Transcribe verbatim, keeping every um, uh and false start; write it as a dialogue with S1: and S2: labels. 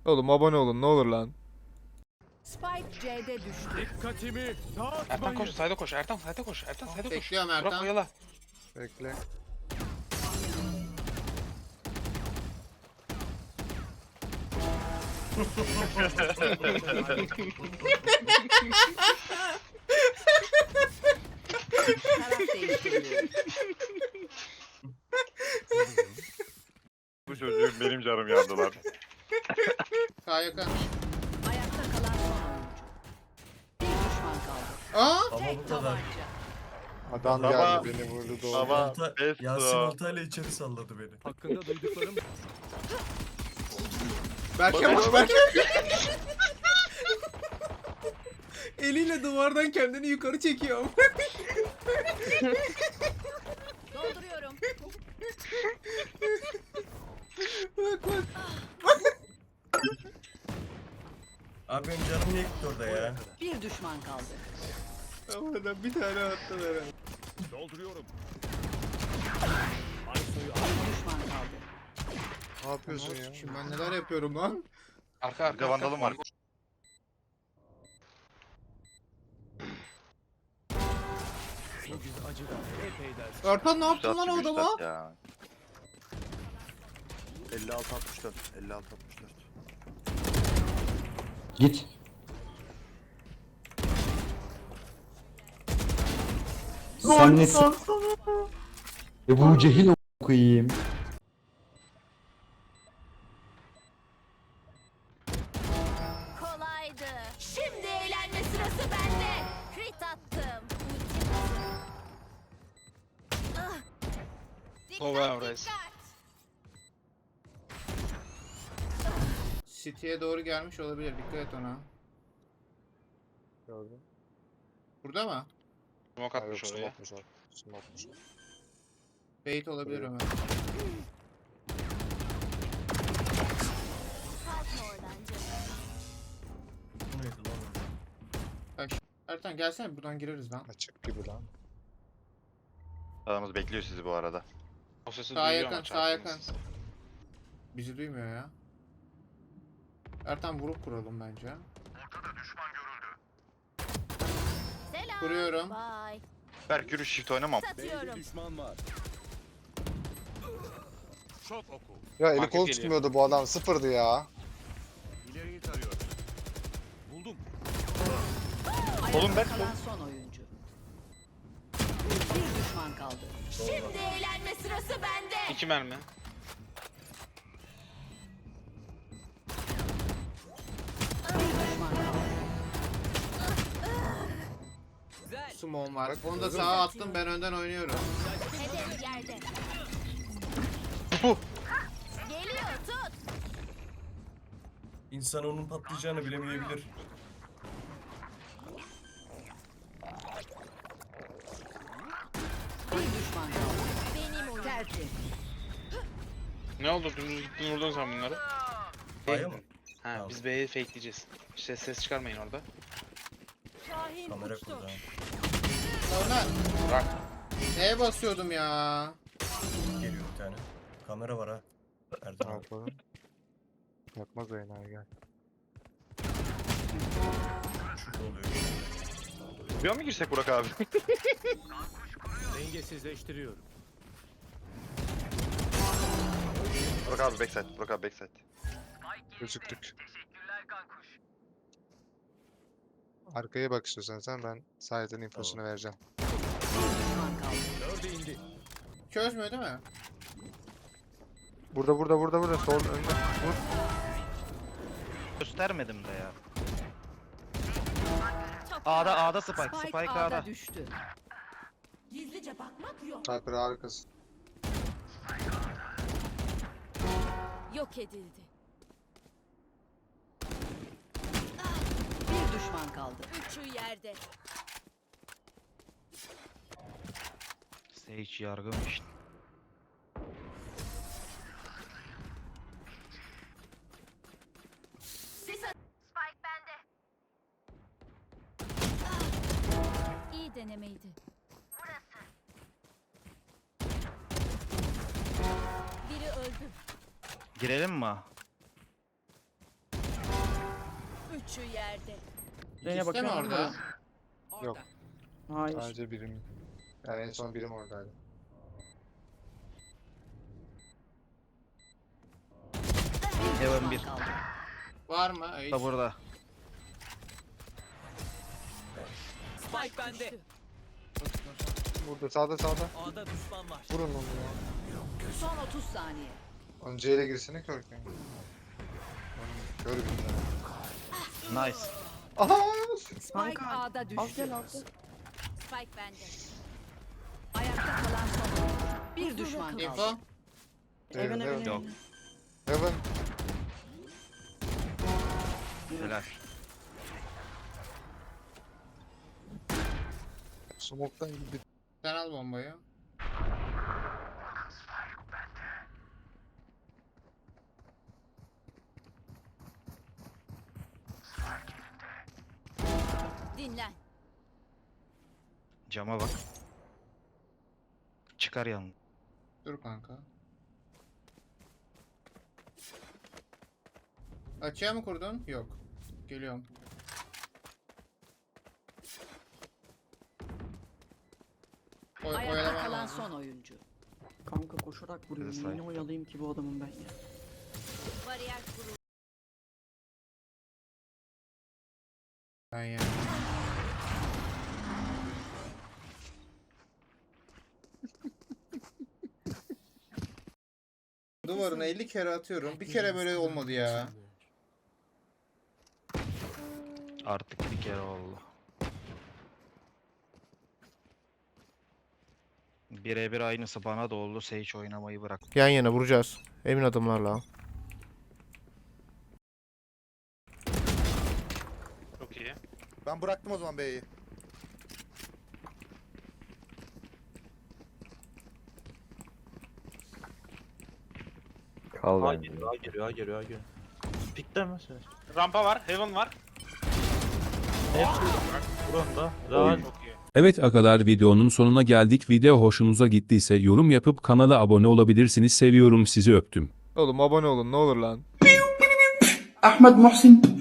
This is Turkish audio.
S1: Oğlum abone olun ne olur lan.
S2: Spike C'de düştü.
S3: Dikkatimi
S4: Ertan
S3: dağıtmayın.
S4: koş, sayda koş. Ertan sayda koş. Ertan sayda koş.
S5: Bekliyorum
S4: Burak
S5: Ertan.
S4: oyala.
S1: Bekle.
S2: Taraf değiştiriliyor.
S6: Bu çocuğun benim canım yandılar.
S5: Sağ yakın.
S2: Ayakta kalan son oyuncu. Bir düşman kaldı.
S5: Aa!
S7: Ama bu
S2: Tek
S7: kadar.
S2: tabanca.
S1: Adam
S6: Baba-
S1: geldi beni vurdu doğru.
S6: Baba
S7: Olta,
S6: best
S7: Yasin
S6: o.
S7: oltayla içeri salladı beni.
S3: Hakkında duyduklarım
S5: Berke bak Berke. Eliyle duvardan kendini yukarı çekiyor.
S2: Dolduruyorum.
S5: Bak bak.
S7: Abi benim canım niye gitti orada ya?
S2: Bir düşman kaldı.
S5: Havadan bir tane attılar ha.
S3: dolduruyorum.
S2: Bir düşman kaldı.
S1: Ne yapıyorsun ya?
S5: Şimdi ben neler yapıyorum lan?
S4: Arka arka.
S6: Bir de vandalım var.
S3: Bugün acıdan epey ders.
S5: Ertan ne yaptın
S6: Üstad
S5: lan o
S6: gibi
S5: adama?
S6: üstad ya.
S8: elli altı altmış dört. elli altı altmış dört.
S9: Git. Sen nesin? Ebu Cehil okuyayım.
S10: Kolaydı. Şimdi eğlenme sırası bende. Crit attım. Ah.
S4: Over
S10: Dikkat,
S4: Reis.
S10: dikkat.
S5: City'ye doğru gelmiş olabilir. Dikkat et ona.
S1: Gördüm.
S5: Burada mı?
S4: Smoke
S1: Ha, yok
S4: atmış oraya.
S1: smoke'muş o. Smoke'muş o.
S5: Bait olabilir Ömer.
S10: Kalkma oradan canım.
S7: Bu neydi lan orada?
S5: Ertan gelsene buradan gireriz lan.
S1: Açık gibi lan.
S6: Adamımız bekliyor sizi bu arada.
S4: O sesi
S5: Sağ
S4: duyuyor
S5: yakın,
S4: ama
S5: sağ yakın.
S4: çarptınız.
S5: Bizi duymuyor ya. Ertan vurup kuralım bence.
S10: Selam.
S5: Kuruyorum.
S10: Bye.
S6: Berk yürü shift oynamam.
S10: Satıyorum.
S3: Düşman var. Çok oku.
S1: Ya eli
S4: Market
S1: kol
S4: geliyor.
S1: tutmuyordu bu adam sıfırdı ya.
S3: İleriyi tarıyorum. Buldum.
S6: Oğlum ben-
S2: Ayakta kalan son oyuncu. Bir düşman kaldı.
S10: Şimdi eğlenme sırası bende.
S4: İki mermi.
S2: Bir düşman kaldı.
S5: Sumon var. Onu da sağa attım, ben önden oynuyorum.
S10: Hedef yerde. Geliyor tut.
S7: İnsan onun patlayacağını bilemeyebilir.
S2: Bir düşman kaldı.
S10: Benim oyun.
S2: Tertemiz.
S4: Ne oldu? Dümdüz gittin vurdun sen bunları.
S7: Aya mı?
S4: Ha
S7: Tamam.
S4: biz B'yi fakeleyeceğiz. İşte ses çıkarmayın orada.
S7: Kamera kurdu ha.
S5: Ömer.
S4: Bırak.
S5: Neye basıyordum ya?
S7: Geliyor bir tane. Kamera var ha.
S1: Ne
S7: Erdoğan abi.
S1: yapalım? Yakmaz oyunu gel.
S7: Şurada oluyor.
S6: Bir an mı girsek Burak abi?
S3: Dengesizleştiriyorum.
S6: Burak abi backside. Burak abi backside.
S1: Gözüktük. Arkaya bak istiyorsan sen ben sahiden infosunu vereceğim.
S2: Bir düşman kaldı.
S3: Dörde indi.
S5: Çözmüyor değil mi?
S1: Burada burada burada burada sol önde. Vur.
S8: Göstermedim de ya.
S10: Çok
S8: A'da A'da Spike.
S2: Spike,
S8: Spike
S2: A'da
S8: A'da.
S2: düştü.
S10: Gizlice bakmak yok.
S1: Sniper harikasın.
S10: Yok edildi.
S2: Bir düşman kaldı.
S10: Üçü yerde.
S8: Sage yargım işte.
S10: Sis at- Spike bende. İyi denemeydi. Biri öldü.
S8: Girelim mi?
S10: Üçü yerde.
S5: İkisi de mi orada?
S1: Yok.
S2: Hayır.
S1: Sadece birim. Yani en son birim oradaydı.
S2: Bir
S8: Heaven
S2: düşman
S8: bir.
S2: kaldı.
S5: Var mı? Ay.
S8: Da burada.
S2: Spike bende.
S1: Burada sağda sağda.
S3: A'da düşman var.
S1: Vurun onu ya.
S2: Son otuz saniye.
S1: Onun C ile girsene körken. Onun kör bir tane.
S8: Nice.
S1: Aha!
S2: Spike A'da düştü.
S10: Spike bende.
S2: Ayakta kalan son oyuncu. Bir düşman kaldı.
S5: Info.
S1: Heaven, Heaven.
S8: Yok.
S1: Heaven.
S8: Helal.
S1: Smoke'tan gibi.
S5: Sen al bombayı.
S10: Dinlen.
S8: Cama bak. Çıkar yanına.
S5: Dur kanka. Açığa mı kurdun? Yok. Geliyorum. Oy,
S2: Ayakta
S5: oyalaman
S2: kalan
S5: lazım.
S2: son oyuncu.
S11: Kanka koşarak vuruyorum.
S8: Sniper.
S11: Niye oyalayayım ki bu adamın ben ya?
S10: Bariyer kurulu.
S5: Ben ya. Duvarına elli kere atıyorum. Bir kere böyle olmadı ya.
S8: Artık bir kere oldu. Birebir aynısı bana da oldu. Sage oynamayı bırak.
S12: Yan yana vuracağız. Emin adımlarla.
S4: Çok iyi.
S6: Ben bıraktım o zaman B'yi.
S9: Kal
S8: A geliyor, A geliyor, A geliyor, A geliyor. Pikler mi sen?
S4: Rampa var, Heaven var.
S8: Hepsi burada. Rahat.
S4: Çok iyi.
S3: Evet agalar, videonun sonuna geldik. Video hoşunuza gittiyse yorum yapıp kanala abone olabilirsiniz. Seviyorum sizi, öptüm.
S12: Oğlum abone olun ne olur lan.
S11: Ahmet Muhsin.